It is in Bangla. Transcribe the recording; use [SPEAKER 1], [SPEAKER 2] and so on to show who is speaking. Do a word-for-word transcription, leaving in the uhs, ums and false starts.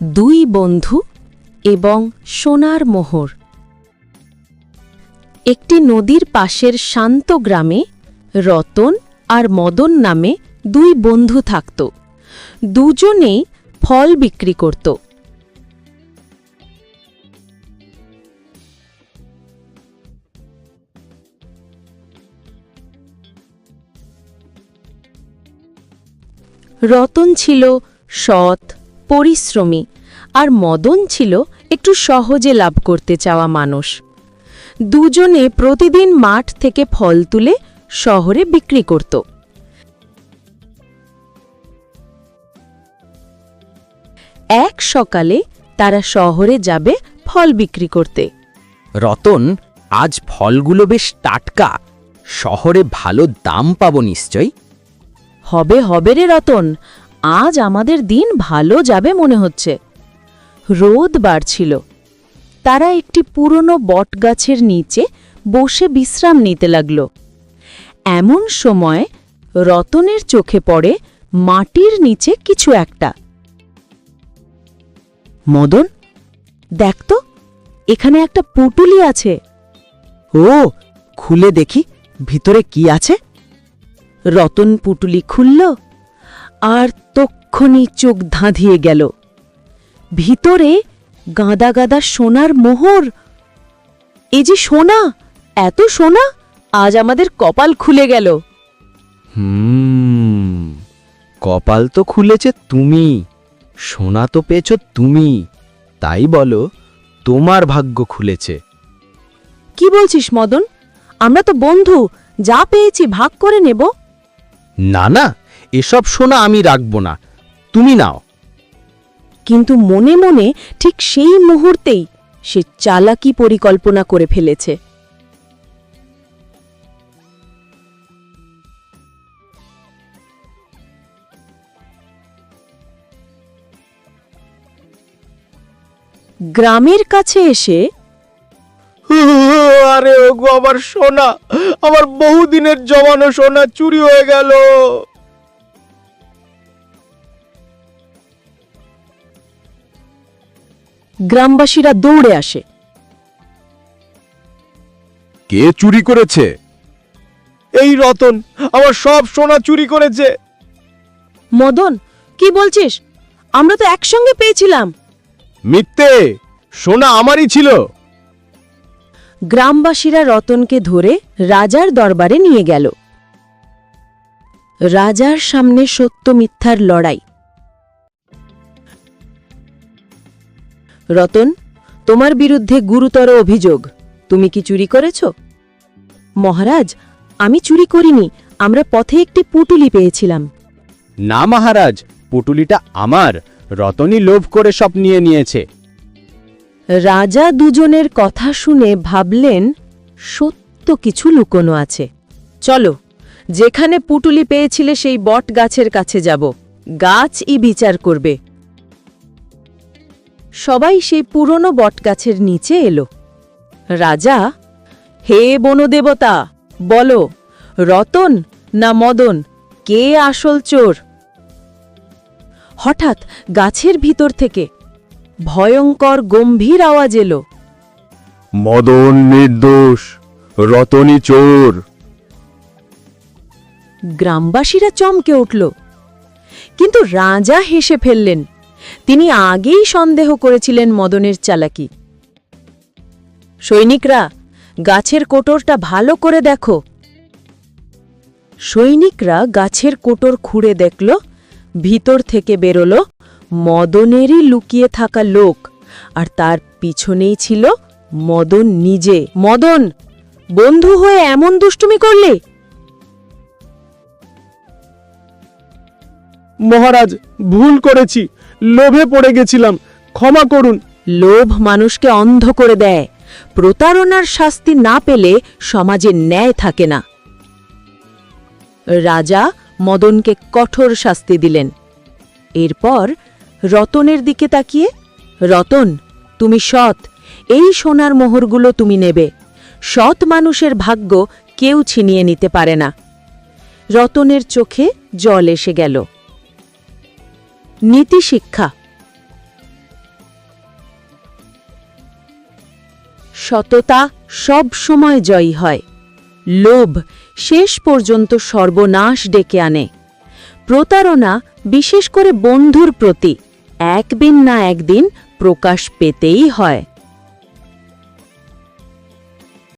[SPEAKER 1] দুই বন্ধু এবং সোনার মোহর। একটি নদীর পাশের শান্ত গ্রামে রতন আর মদন নামে দুই বন্ধু থাকত। দুজনেই ফল বিক্রি করত। রতন ছিল সৎ, পরিশ্রমী, আর মদন ছিল একটু সহজে লাভ করতে চাওয়া মানুষ। দুজনে প্রতিদিন মাঠ থেকে ফল তুলে শহরে বিক্রি করত। এক সকালে তারা শহরে যাবে ফল বিক্রি করতে।
[SPEAKER 2] রতন, আজ ফলগুলো বেশ টাটকা, শহরে ভালো দাম পাবো নিশ্চয়।
[SPEAKER 1] হবে হবে রে রতন, আজ আমাদের দিন ভালো যাবে মনে হচ্ছে। রোদ বাড়ছিল। তারা একটি পুরনো বটগাছের নিচে বসে বিশ্রাম নিতে লাগল। এমন সময় রতনের চোখে পড়ে মাটির নিচে কিছু একটা। মদন, দেখ তো, এখানে একটা পুটুলি আছে।
[SPEAKER 2] ও, খুলে দেখি ভিতরে কি আছে।
[SPEAKER 1] রতন পুটুলি খুলল, আর তক্ষুনি চোখ ধাঁধিয়ে গেল। ভিতরে গাদা গাদা সোনার মোহর। এ যে সোনা, এত সোনা, আজ আমাদের কপাল খুলে গেল।
[SPEAKER 2] হুম, কপাল তো খুলেছে তুমি, সোনা তো পেয়েছ তুমি, তাই বলো তোমার ভাগ্য খুলেছে।
[SPEAKER 1] কি বলছিস মদন? আমরা তো বন্ধু, যা পেয়েছি ভাগ করে নেব।
[SPEAKER 2] না না, এসব সোনা আমি রাখব না, তুমি নাও।
[SPEAKER 1] কিন্তু মনে মনে ঠিক সেই মুহূর্তেই সে চালাকি পরিকল্পনা করে ফেলেছে। গ্রামের কাছে এসে,
[SPEAKER 3] আরে ওগো, আমার সোনা, আমার বহুদিনের জমানো সোনা চুরি হয়ে গেল।
[SPEAKER 1] গ্রামবাসীরা দৌড়ে আসে।
[SPEAKER 3] কে চুরি করেছে? এই রতন, আমার সব সোনা চুরি করেছে।
[SPEAKER 1] মদন, কি বলছিস? আমরা তো একসঙ্গে পেয়েছিলাম।
[SPEAKER 3] মিথ্যে, সোনা আমারই ছিল।
[SPEAKER 1] গ্রামবাসীরা রতনকে ধরে রাজার দরবারে নিয়ে গেল। রাজার সামনে সত্য মিথ্যার লড়াই। রতন, তোমার বিরুদ্ধে গুরুতর অভিযোগ। তুমি কি চুরি করেছ? মহারাজ, আমি চুরি করিনি, আমরা পথে একটি পুটুলি পেয়েছিলাম।
[SPEAKER 3] না মহারাজ, পুটুলিটা আমার, রতনই লোভ করে সব নিয়ে নিয়েছে।
[SPEAKER 1] রাজা দুজনের কথা শুনে ভাবলেন সত্য কিছু লুকোনো আছে। চলো, যেখানে পুটুলি পেয়েছিলে সেই বট গাছের কাছে যাব, গাছই বিচার করবে। সবাই সেই পুরনো বটগাছের নিচে এলো। রাজা, হে বনদেবতা, বলো, রতন না মদন, কে আসল চোর? হঠাৎ গাছের ভিতর থেকে ভয়ঙ্কর গম্ভীর আওয়াজ এলো।
[SPEAKER 3] মদন নির্দোষ, রতনই চোর।
[SPEAKER 1] গ্রামবাসীরা চমকে উঠল, কিন্তু রাজা হেসে ফেললেন। তিনি আগেই সন্দেহ করেছিলেন মদনের চালাকি। সৈনিকরা, গাছের কোটরটা ভালো করে দেখো। সৈনিকরা গাছের কোটর খুঁড়ে দেখল, ভিতর থেকে বেরোল মদনেরই লুকিয়ে থাকা লোক, আর তার পিছনেই ছিল মদন নিজে। মদন, বন্ধু হয়ে এমন দুষ্টুমি করলে?
[SPEAKER 3] মহারাজ, ভুল করেছি, লোভে পড়ে গেছিলাম, ক্ষমা করুন।
[SPEAKER 1] লোভ মানুষকে অন্ধ করে দেয়। প্রতারণার শাস্তি না পেলে সমাজে ন্যায় থাকে না। রাজা মদনকে কঠোর শাস্তি দিলেন। এরপর রতনের দিকে তাকিয়ে, রতন, তুমি সৎ, এই সোনার মোহরগুলো তুমি নেবে। সৎ মানুষের ভাগ্য কেউ ছিনিয়ে নিতে পারে না। রতনের চোখে জল এসে গেল। নীতি শিক্ষা। সততা সব সময় জয়ী হয়। লোভ শেষ পর্যন্ত সর্বনাশ ডেকে আনে। প্রতারণা, বিশেষ করে বন্ধুর প্রতি, একদিন না একদিন প্রকাশ পেতেই হয়।